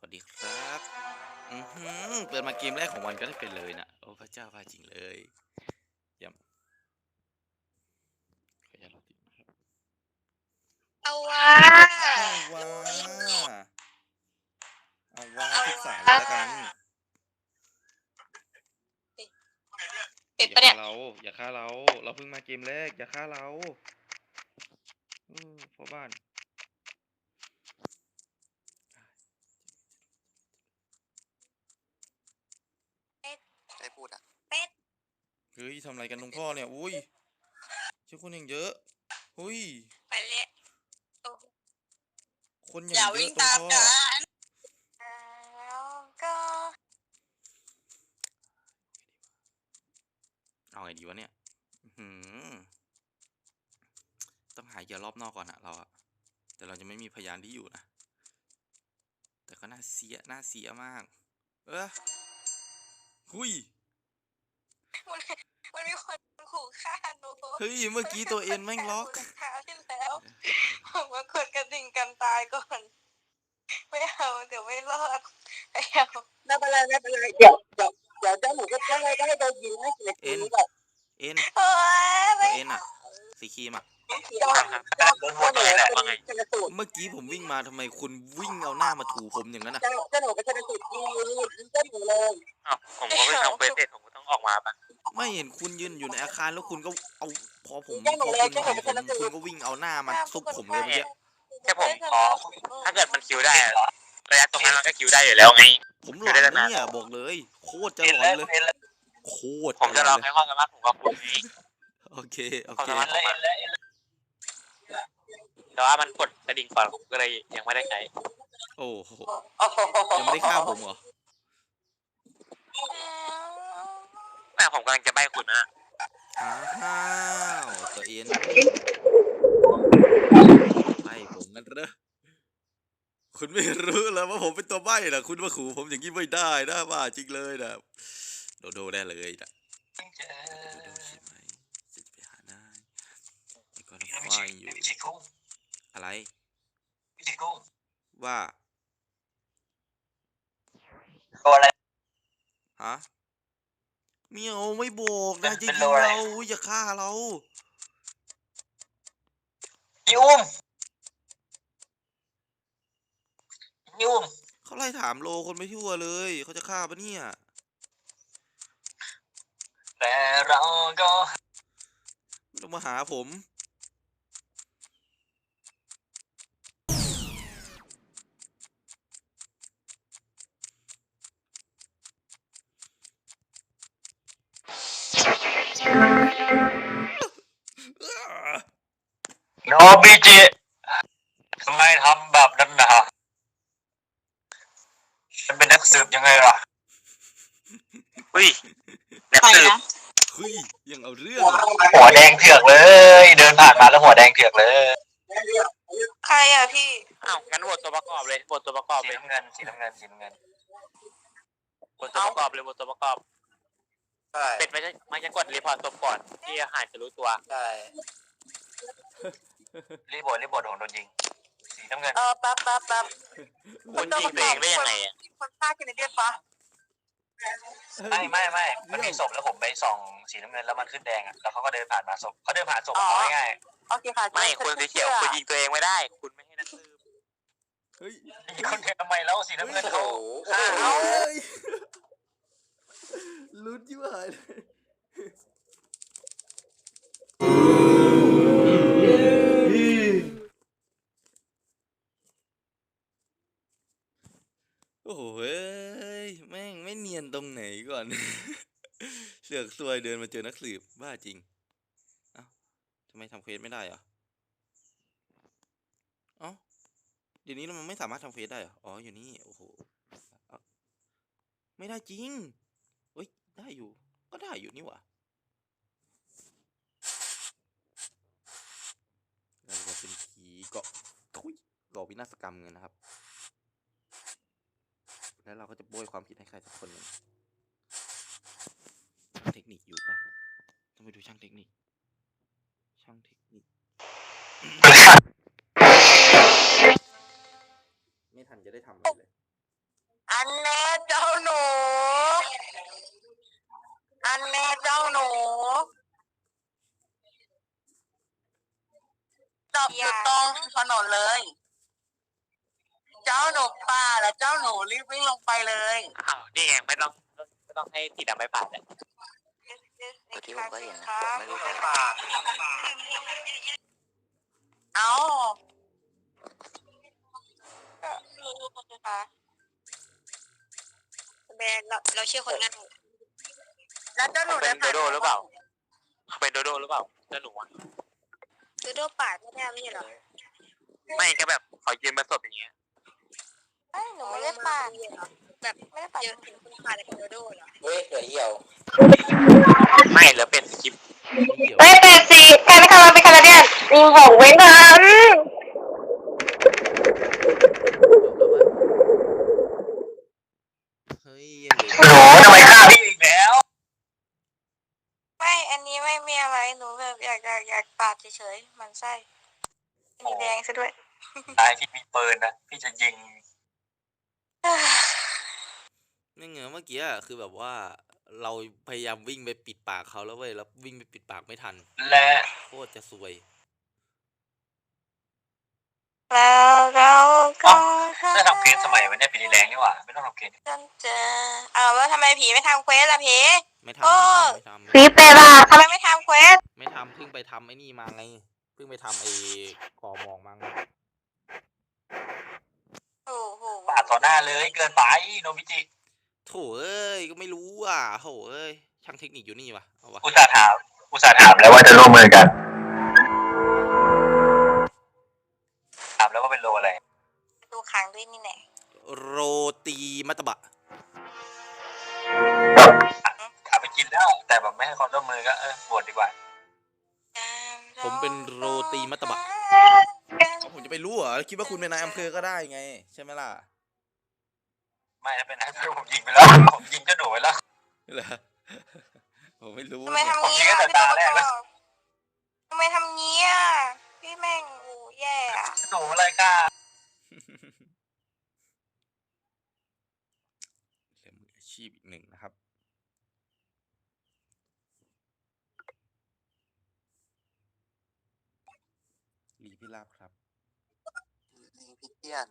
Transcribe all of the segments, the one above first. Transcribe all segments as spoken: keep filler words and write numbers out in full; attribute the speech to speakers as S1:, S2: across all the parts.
S1: วัสดีครับอือหือเปิดมาเกมแรกของวันก็ได้เป็นเลยนะโอ้พระเจ้าพาจริงเลยเยี่ยมขออนุญาตรอติดนะครับ
S2: เอาวะ
S1: เอาว่าเอาว่าทุกสายเลยละกัน
S2: ปิด
S1: อย่า
S2: ปะเนี่
S1: ฆ่าย เราอย่าฆ่าเราเราเพิ่งมาเกมแรกอย่าฆ่าเราเออพ่อบ้าน
S3: ใครพูดอ่ะ
S1: เฮ้ยทำอะไรกันลุงพ่อเนี่ยอุ้ยเชื่อคนอย่างเยอะอุ้ย
S2: ไปเลยโอ้
S1: คนอ
S2: อย่า
S1: ย่างเย
S2: วิ่
S1: อะ
S2: ง
S1: ลุง
S2: ตาม
S1: พ่อ
S2: กันแล้วก็
S1: เอาไงดีวะเนี่ยหืมต้องหาเหยื่อรอบนอกก่อนอะเราอะแต่เราจะไม่มีพยานที่อยู่นะแต่ก็น่าเสียน่าเสียมากเออหุย
S2: มันมันมีคนขู่ฆ่าหนู
S1: เฮ้ยเมื่อกี้ตัวเอ็นแม่งล็อก
S2: คราวที่แล้วผมว่ากดกระดิ่งกันตายก่อนไม่เอาเดี๋ยวไม่รอดไม่เอา
S4: ไม่เป็นไรไม่เป็นไรเดี๋ยวเดี๋ยวเดี๋ยวเจ้าหนูก็จะให้ก็ให้โดนยิงให้เสียชีวิตแบบ
S1: เอ็น
S2: โอ้ย
S1: ตั
S2: ไม่
S1: วเอ็นอะสีครีมอะ
S4: เจ้าเจ้าหนูเป็นชนสูตร
S1: เมื่อกี้ผมวิ่งมาทำไมคุณวิ่งเอาหน้ามาถูผมอย่างนั้นอะ
S4: เจ้าเจ้าหนูเป็นชนสูตรยิงยิงเจ้าหนูเลย
S3: อ้าวผมก็ไม่ทำเฟซเสร็จผมก็ต้องออกมาปะ
S1: ไม่เห็นคุณยืนอยู่ในอาคารแล้วคุณก็เอาพอผม
S4: เจ้าห
S1: พ
S4: นู
S1: อ
S4: เลย
S1: คุณ
S4: เจ้าหนู
S1: เห็น
S4: เป็น
S1: ผ
S4: ช
S1: ม
S4: นสู
S1: คุณ
S4: ตร
S1: ก็วิ่งเอาหน้ามาซุกผมเลยเมื่อกี้
S3: แค่ผมขอถ้าเกิดมันคิวได้อะระยะตรงนั้นมันก็คิวได้อยู่แล้วไง
S1: ผมหลอนนะเนี่ยบอกเลยโคตรจะหลอนเลยโคตร
S3: ผมจะรอให้ความสามารถผมกับคุณไง
S1: โอเคโอ
S3: ความ
S1: เค
S3: สามารถของมันแต่ว่ามันกดกระดิ่งก่อนผมก็เลยยังไม่ได้ใช้
S1: โอ้โหยังไม่ได้ฆ่าผมเหรอ
S3: แม่ผมกำลังจะใบ้คุณนะ
S1: อ้าวตัวเอ็นใบ้ผมงั้นเหรอคุณไม่รู้แล้วว่าผมเป็นตัวใบ้นะคุณมาขู่ผมอย่างนี้ไม่ได้นะบ้าจริงเลยนะโดโดได้เลยนะโดโดใช่ไหมจะไปหานายแล้วก็ไฟอยู่อะไรว่า
S3: ตัวอะไร
S1: ฮะเมียวไม่บอกนะจะ
S3: เป็น
S1: ยิ
S3: โล
S1: ง
S3: อะไร
S1: เราอย่าฆ่าเรา
S3: พี่อุ้มพี่อุ้ม
S1: เขาไล่ถามโลคนไม่ทั่วเลยเขาจะฆ่าปะเนี่ย
S3: แต่เราก็
S1: ไม่ต้องมาหาผมอ้า
S3: โนบิจิทำไมทำแบบนั้นนะฉันเป็นนักสืบยังไงล่ะอุ้ยนักสืบ
S1: เฮ้ยยังเอาเรื่องอะ
S3: หัวแดงเถือกเลย เดินผ่านมาแล้วหัวแดงเถือกเลย
S2: ใครอ่ะพี่
S3: อ้าวงั้นบทตัวประกอบเลยบทตัวประกอบเลยสีน้ำเงินสีน้ำเงินสีน้ำเงินบทตัวประกอบเลยบทตัวประกอบใช่เป็นไม่ใช่ไม่ใช่กดรีพอร์ตตัวก่อนที่อาหารจะรู้ตัวใช่รีบทรีบทของโดนยิงสีน้ำเงิน
S2: เออแป๊บแป๊บแป๊บ
S3: คุณยิงตัวเองได้ยังไงอ่ะ
S2: คนฆ่ากินในเดียปะ
S3: ไม่ไม่ไม่มันมีศพแล้วผมไปส่องสีน้ำเงินแล้วมันขึ้นแดงอ่ะแล้วเขาก็เดินผ่านมาศพเขาเดินผ่านศพเขาง่าย
S2: โอเคค่ะ
S3: ไม่คุณสีเขียวคุณยิงตัวเองไม่ได้คุณไม่ให้นักสืบ
S1: เฮ้ย
S3: ยิงคนเดียวทำไมแล้วสีน้ำเงินเขา
S1: เฮ้ยลุ้นยิ่งหายเลยโอ้โหเฮ้ยแม่งไม่เนียนตรงไหนก่อน เสือกซวยเดินมาเจอนักสืบบ้าจริงเอ้าทำไมทำเควสไม่ได้เหรอเอ้าเดี๋ยวนี้มันไม่สามารถทำเควสได้เหรออ๋ออยู่นี่โอ้โหไม่ได้จริงเฮ้ยได้อยู่ก็ได้อยู่นี่หว่าเราจะเป็นผีเกาะทุยก่อวินาศกรรมกันนะครับแล้วเราก็จะโบยความผิดให้ใครสักคนหนึ่งเทคนิคอยู่ปะต้องไปดูช่างเทคนิคช่างเทคนิค ไม่ทันจะได้ทำอะไรเลย
S2: อันแน่เจ้าหนู อันแน่เจ้าหนูจบอยู่ตรงถนนเลย เจ้าหนูป่าและเจ้าหนูรีบวิ่งลงไปเลย
S3: อ้าวนี่ไงไม่ต้องไม่ต้องให้สีดำไปผ่านเลย
S5: เมื่อกี้ผมก็เห็นนะไม่รู้ใคร
S4: ป่า
S2: เอาแบนเราเราเชื่อคนง่ายแล้วเจ้าหนู
S3: เป็
S2: ได้
S3: นโดโดหรือเปล่าเป็นโดโดหรือเปล่าเจ้าหนูอะ
S2: โดโดปาดไม่ได้ไม่ใช่หรอ
S3: ไม่ก็แบบเขายืนมาสดอย่างเงี้ย
S2: ไอ้หนูไม่ได้ปาดแบบไม่ได้ปาดเยอะถึงคุณปาดอะไรกับโดโดเหรอ
S4: เฮ้ยเหลือเหี่ยว
S3: ไม่เหลือเป็นสกิป
S1: เดี๋ยว
S2: เฮ้ยเป็ดสิใครไม่ทำมันเป็นคาราเดียนยิงหกเว้นทัน
S1: เฮ้ยยังเหลือ
S3: โอ้ทำไมฆ่าพี่อีกแล้ว
S2: ไม่อันนี้ไม่มีอะไรหนูแบบอยากอยากอยากปาดเฉยๆมันไส้มีแดงซะด้วย
S3: ตายที่มีปืนนะพี่จะยิง
S1: นี่ไงเมื่อกี้อะคือแบบว่าเราพยายามวิ่งไปปิดปากเขาแล้วเว้ยแล้ววิ่งไปปิดปากไม่ทัน
S3: และ
S1: โคตรจะซวย
S2: แล้วเราก็หา
S3: ถ้าทำเกมสมัยวันนี้เป็นแรงนี่หว่าไม่ต้องทำเกม
S2: จนเจอเอาแล้วทำไมผีไม่ทำเควสล่ะผี
S1: ไม่ทำ
S2: โอ้
S1: ไม่ทำไม่
S2: ผี
S1: ทำ
S2: เป็ดล่ะทำไมไม่ทำเควส
S1: ไม่ทำเพิ่งไปทำไอ้นี่มาไงเพิ่งไปทำไอ้กอมองมาไง
S2: โอ้โห
S3: ปาดต่อหน้าเลยเกินไปโนบิจิ
S1: โถเอ้ยก็ไม่รู้อ่ะโถเอ้ยช่างเทคนิคอยู่นี่วะเอาวะ
S3: อุตส่าห์ถามอุตส่าห์ถามแล้วว่าจะร่วมมือกันถามแล้วว่าเป็นโลอะไร
S2: ดูขังด้วยนี่แน่
S1: โรตีมัตตบะ
S3: ถามไปกินแล้วแต่แบบไม่ให้ความร่วมมือก็เออบวชดีกว่า
S1: ผมเป็นโรตีมัตตบะผมจะไปรู้เหรอคิดว่าคุณเป็นนายอำเภอก็ได้ไงใช่ไหมล่ะ
S3: ไม่ถ้าเป็นนายอำเภอผมยิงไปแล้วผมยิงเจ้าหนูไปแล้ว
S1: เหรอผมไม่รู้
S2: ทำไม
S1: เนี่ย
S2: ทำงี้อ่ะ
S3: ผมคิดว่าจะตาแรกแล้ว
S2: ทำไมทำงี้อ่ะพี่แม่งโอ้แย่อะ
S3: หนูอะไรกล้า
S1: เหลือมืออาชีพอีกหนึ่งนะครับลีพิราบครับ
S5: พี่เตี้ยน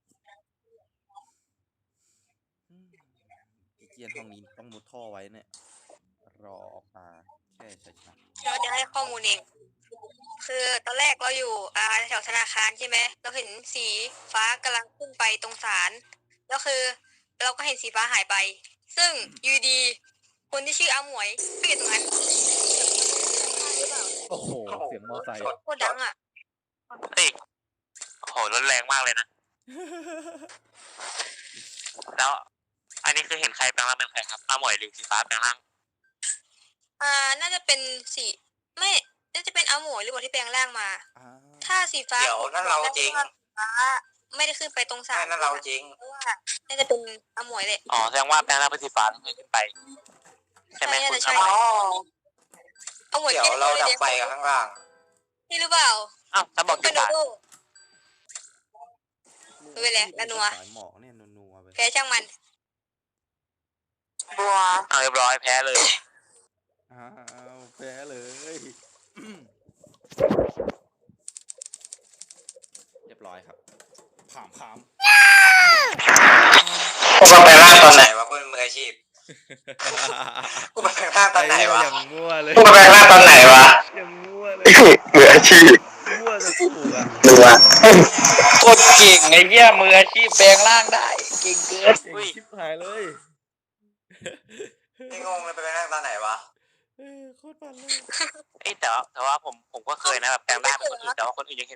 S1: อืมไอ้เกียนห้องนี้ต้องมุดท่อไว้เนี่ยรอออกมาแค่ชัยชนะ
S2: เราจะให้ข้อมูลเองคือตอนแรกเราอยู่อ่าแถวธนาคารใช่ไหมเราเห็นสีฟ้ากำลังขึ้นไปตรงศาลแล้วคือ เราก็เห็นสีฟ้าหายไป ซึ่งอยูดีคนที่ชื่ออาหมวยก็อยู่ตรงนั้น
S1: โอ้โหเสียงมอไซค์
S2: โคตรดังอ่ะ
S3: เฮ้ยโอ้โหรุนแรงมากเลยนะแล้วอันนี้คือเห็นใครแปลงร่างเป็นใครครับอาหมวยหรือสีฟ้าแปลงร่าง
S2: อ่าน่าจะเป็นสีไม่น่าจะเป็นอาหมวยหรือเปล่าที่แปลงร่างมา
S1: อ่า
S2: ถ้าสีฟ้า
S4: เดี๋ยวนั่นเราจริง
S2: ฟ้าไม่ได้ขึ้นไปตรงศาล
S4: นั่นเราจริง
S2: เพราะว่าน่าจะเป็นอาหมวยเลย
S3: อ๋อแสดงว่าแปลงร่างเป็นสีฟ้าต้องขึ้นไปใช่ไหมคุณ
S2: ใช่
S3: อาหมวย
S2: อาหมวย
S4: เดี๋ยวเราดับไฟกันข้างล่าง
S2: นี่หรือเปล่า
S3: อ้าวถ้าบอก
S2: เป็
S3: สี
S2: นโด
S3: ฟ้า
S2: โด ไม่เป็นไรละนัว
S1: สายหมอกเนี่ยนัวๆไป
S2: แพ้ช่างมัน
S3: บัวเอาเรียบร้อยแพ้เลย
S1: อ้าวแพ้เลยอืมเรียบร้อยครับผามผาม
S4: กูมาแปลงร่างตอนไหนวะกูเป็นมืออาชีพกูมาแปลงร่างตอนไหนวะ
S1: อย่างมั่วเลย
S4: กูมาแปลงร่างตอนไหนวะ
S1: อย่างมั่วเลย
S4: มืออาชีพ
S1: มั่วจะถูกอ่ะ
S4: ดูวะ
S3: โคตรเก่งไอ้เหี้ยมืออาชีพแปลงร่างได้เก่งเกิน
S1: เก่งชิบหายเลย
S4: นี่งงเลยไปแปลงร่างตอนไหนวะ
S1: เออโคตรมันเลย
S3: เอ้ยแต่ว่าแต่ว่าผมผมก็เคยนะแบบแปลงร่างเป็นคนอื่นแต่ว่าคนอื่นยังเห็น